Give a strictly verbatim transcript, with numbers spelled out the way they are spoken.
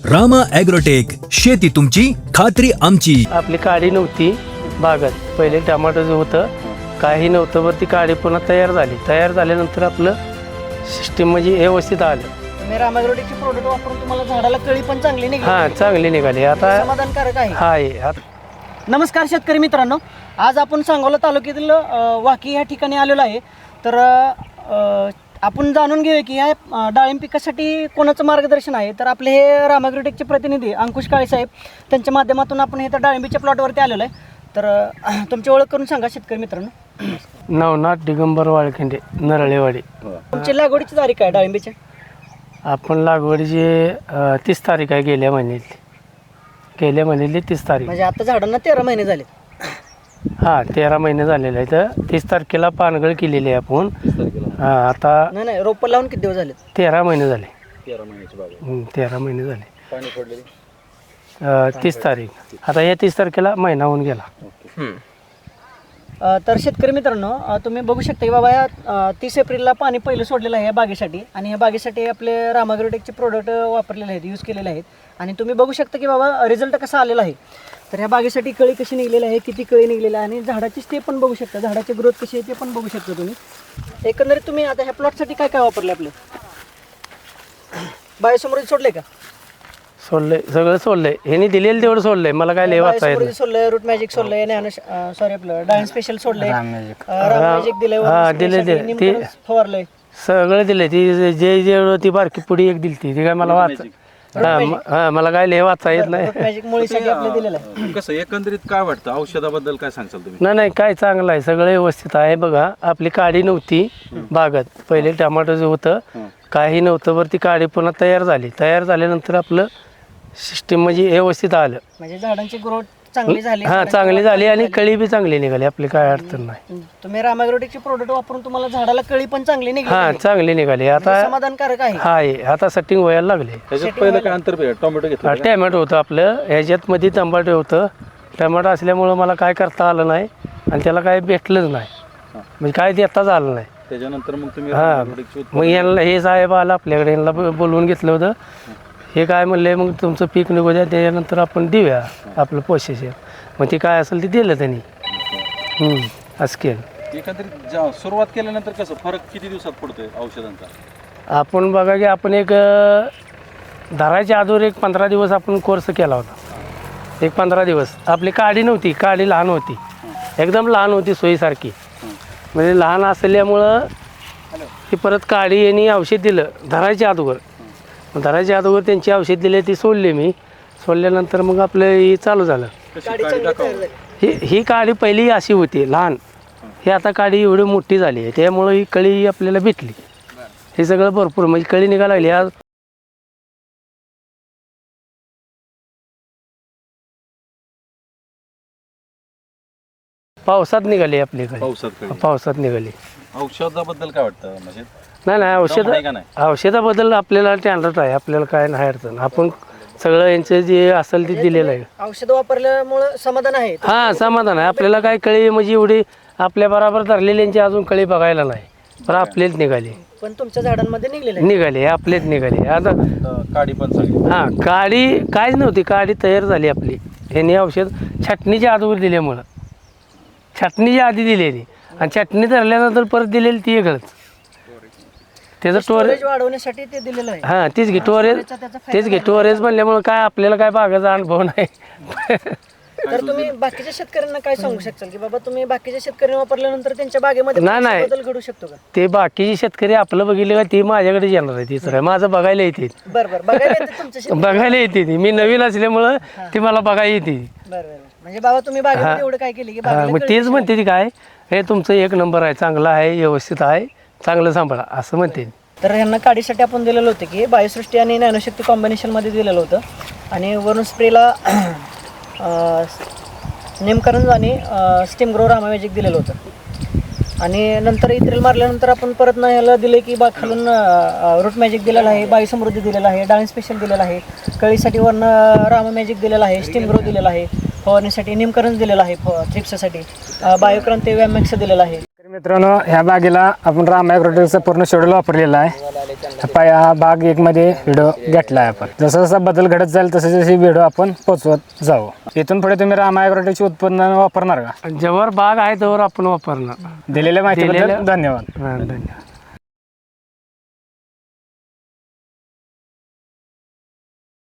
Rama agrotech, शेती तुमची खात्री आमची. आपली काडी नव्हती बागात, पहिले टमाटोचं होतं, काही नव्हतं, वर ती काडी पुन्हा तयार झाली. तयार झाल्यानंतर आपलं सिस्टीम म्हणजे व्यवस्थित आलं. तुम्ही रामा ॲग्रोटेकचे प्रोडक्ट वापरून तुम्हाला झाडाला कळी पण चांगली निघाली. हां, चांगली निघाली. आता समाधानकारक आहे. हा आहे आता. नमस्कार शेतकरी मित्रांनो, आज आपण सांगोला तालुक्यातील अ, वाकी या ठिकाणी आलेलो आहे. तर अ, आपण जाणून घेऊया की या अ, डाळिंब पिकासाठी कोणाचं मार्गदर्शन आहे. तर आपले हे रामा ॲग्रोटेकचे प्रतिनिधी अंकुश काळे साहेब, त्यांच्या माध्यमातून आपण हे तर डाळिंबीच्या प्लॉटवरती आलेलो आहे. तर अ, तुमची ओळख करून सांगा शेतकरी मित्रांनो. नवनाथ दिगंबर वाळखिंडे, नरळेवाडी. तुमची लागवडीची तारीख आहे डाळिंबीच्या? आपण लागवडीची अ, तीस तारीख आहे, गेल्या महिन्यातली गेल्या महिन्यातली तीस तारीख. म्हणजे आता झाडांना तेरा महिने झाले. हां, तेरा महिने झालेले आहे. तर तीस तारखेला पानगळ केलेली आहे आपण. हां, आता नाही नाही रोपं लावून किती दिवस झाले? तेरा महिने झाले. तेरा महिन्याची बाग आहे. हं, तेरा महिने झाले. पाणी पडलेली अ, तीस तारीख, आता या तीस तारखेला महिना होऊन गेला. अ, तर शेतकरी मित्रांनो, अ, तुम्ही बघू शकता की बाबा या अ, तीस एप्रिलला पाणी पहिलं सोडलेलं आहे या बागेसाठी. आणि या बागेसाठी आपले रामा ॲग्रोटेकचे प्रोडक्ट वापरलेले आहेत, यूज केलेले आहेत. आणि तुम्ही बघू शकता की बाबा रिझल्ट कसा आलेला आहे. तर ह्या बागेसाठी कळी कशी निघलेली आहे, किती कळी निघलेली आहे, आणि झाडाची ते पण बघू शकता, झाडाची ग्रोथ कशी आहे ते पण बघू शकता तुम्ही. एकंदरीत तुम्ही आता ह्या प्लॉटसाठी काय काय वापरले आपले? बायोसमृद्धी सोडले का? सोडलंय, सगळं सोडलंय. ह्यांनी दिलेलं तेवढं सोडलंय, मला काय लय वाचता येत बायोसमृद्धी सोडलंय, रूट मॅजिक सोडलंय, सॉरी आपलं डायन स्पेशल सोडलंय, राम मॅजिक दिलंय, हा, दिलंय, दिलंय. ते- निमकरंज फवारलंय. सगळं दिलंय. ती जे जे ती बारकी पुडी एक दिली ती काय मला वाच हा म- हा, मला काय लय वाचता येत नाही. रूट मॅजिक मुळीसाठी आपलं दिलेलं आहे. कसं एकंदरीत काय वाटतं औषधाबद्दल काय सांगचाल तुम्ही? नाही नाही, काय चांगलं आहे, सगळं व्यवस्थित आहे. बघा, आपली काडी नव्हती बागात, पहिले टमाटोचं होतं, काही नव्हतं, वर ती काडी पुन्हा तयार झाली. तयार झाल्यानंतर आपलं सिस्टीम म्हणजे व्यवस्थित आलं. म्हणजे झाडांची ग्रोथ चांगली झाली. हां, चांगली झाली आणि कळी बी चांगली निघाली. आपली काय अडचण नाही. तुम्ही रामा ॲग्रोटेकचे प्रोडक्ट वापरून तुम्हाला झाडाला कळी पण चांगली निघाली. हां, चांगली निघाली. आता समाधानकारक आहे. हा आहे, आता सेटिंग व्हायला लागले. त्याच्यात पहिलं काय अंतर आहे? टोमॅटो घेतला का? टॅमॅटो होतं आपलं, ह्याच्यात मध्ये टमाटो होतं. टमाटो असल्यामुळं मला काय करता आलं नाही आणि त्याला काय भेटलंच नाही, म्हणजे काय देताच आलं नाही. त्याच्यानंतर मग तुम्ही हां, रामायग्रोटेकची मग यांना हे साहेब आला आपल्याकडे, यांना ब- बोलवून घेतलं होतं. हे काय म्हणले, मग तुमचं पीक निघू द्या, त्याच्यानंतर आपण देऊया आपलं प्रोसेस. मग ते काय असेल ते दिलं त्यांनी. हं, असं केलं. एकंदरीत ज्या- सुरुवात केल्यानंतर कसं फरक किती दिवसात पडतोय औषधांचा? आपण बघा की आपण एक अ, धरायच्या अगोदर एक पंधरा दिवस आपण कोर्स केला होता. एक पंधरा दिवस आपली काडी नव्हती, काडी लहान होती, एकदम लहान होती, सोयीसारखी. म्हणजे लहान असल्यामुळं ही परत काडी यांनी औषध दिलं धरायच्या अगोदर. मग धरायच्या अगोदर त्यांची औषध दिले, ती सोडली मी. सोडल्यानंतर मग आपलं हे चालू झालं. कशी काडी काडी चांगली दाखवा. तयार झाली. ही ही काडी पहिली अशी होती लहान, ही आता काडी एवढी मोठी झाली आहे, त्यामुळं ही कळी आपल्याला भेटली. हे सगळं भरपूर म्हणजे कळी निघायला लागली. आज पावसात निघाली आपल्याकडे, पावसात कळी. पावसात निघाली. औषधाबद्दल काय वाटतं? म्हणजे नाही नाही, औषध दम आहे का नाही? औषधाबद्दल आपल्याला टँडर्ड आहे, आपल्याला काय नाही अडचण. आपण सगळं यांचं जे असेल ते दिलेलं आहे. औषध वापरल्यामुळे समाधान आहे. हां, समाधान आहे. आपल्याला काय कळी म्हणजे एवढी आपल्या बरोबर धरलेल्यांची अजून कळी बघायला नाही, पण आपलेच निघाली पण तुमच्या झाडांमध्ये निघलेलं आहे. निघाली आपलेच निघाली. आता अं, काडी पण चांगली. हां, काडी काहीच नव्हती, काडी तयार झाली आपली. यांनी औषध छाटणीच्या अगोदर दिल्यामुळं, छाटणीच्या आधी दिलेली आणि छाटणी धरल्यानंतर परत दिलेली ती वेगळंच. त्याचं स्टोरेज, स्टोरेज वाढवण्यासाठी ते दिलेलं आहे. हां, तीच घे स्टोरेज, त्याचा फायदा तेच घे स्टोरेज म्हणल्यामुळं काय आपल्याला काय बागाचा अनुभव नाही. तर तुम्ही बाकीच्या शेतकऱ्यांना काय सांगू शकाल की बाबा तुम्ही बाकीच्या शेतकऱ्यांना वापरल्यानंतर त्यांच्या बागेमध्ये नाही, नाही. बदल घडू शकतो का? ते बाकीचे शेतकरी आपलं बघितलं का ते माझ्याकडे येणार आहे, तीच आहे माझं बघायला येते. बरं बरं बघायला येते तुमच्या शेत- बघायला येते ती, मी नवीन असल्यामुळं ती मला बघायला येते. बरं बरं म्हणजे बाबा तुम्ही बागेमध्ये एवढं काय केलं की हां, बागेला मग कळी तेच म्हणते ती काय, हे तुमचं एक नंबर आहे, चांगलं आहे, व्यवस्थित आहे, चांगलं सांभाळा असं म्हणते. तर ह्यांना काढीसाठी आपण दिलेलं होतं की बायोसृष्टी आणि नॅनोशक्ती कॉम्बिनेशनमध्ये दिलेलं होतं. आणि वरून स्प्रेला नेमकरंज आणि स्टीम ग्रो रामा मॅजिक दिलेलं होतं. आणि नंतर इथ्रिल मारल्यानंतर आपण परत ना ह्याला दिलं की बाग खालून रूट मॅजिक दिलेलं आहे, बायोसमृद्धी दिलेलं आहे, डाळिंब स्पेशल दिलेलं आहे, कळीसाठी वरनं रामा मॅजिक दिलेलं आहे, स्टीम ग्रो दिलेला आहे, फवारणीसाठी नेमकरंज दिलेलं आहे, थ्रिप्ससाठी बायोक्रांती वॅमॅक्स दिलेलं आहे. मित्रांनो, ह्या बागेला आपण रामा ॲग्रोटेकचा पूर्ण शेड्यूल वापरलेला आहे. पा हा भाग एक मध्ये व्हिडिओ घेतला आहे आपण. जसा जसा बदल घडत जाईल तसे जसे व्हिडिओ आपण पोहोचवत जाऊ. इथून पुढे तुम्ही रामा ॲग्रोटेकची उत्पन्न वापरणार का? जेव्हा बाग आहे तेव्हा आपण वापरणार. दिलेल्या माहितीबद्दल दिलेल्या- धन्यवाद. हा, धन्यवाद.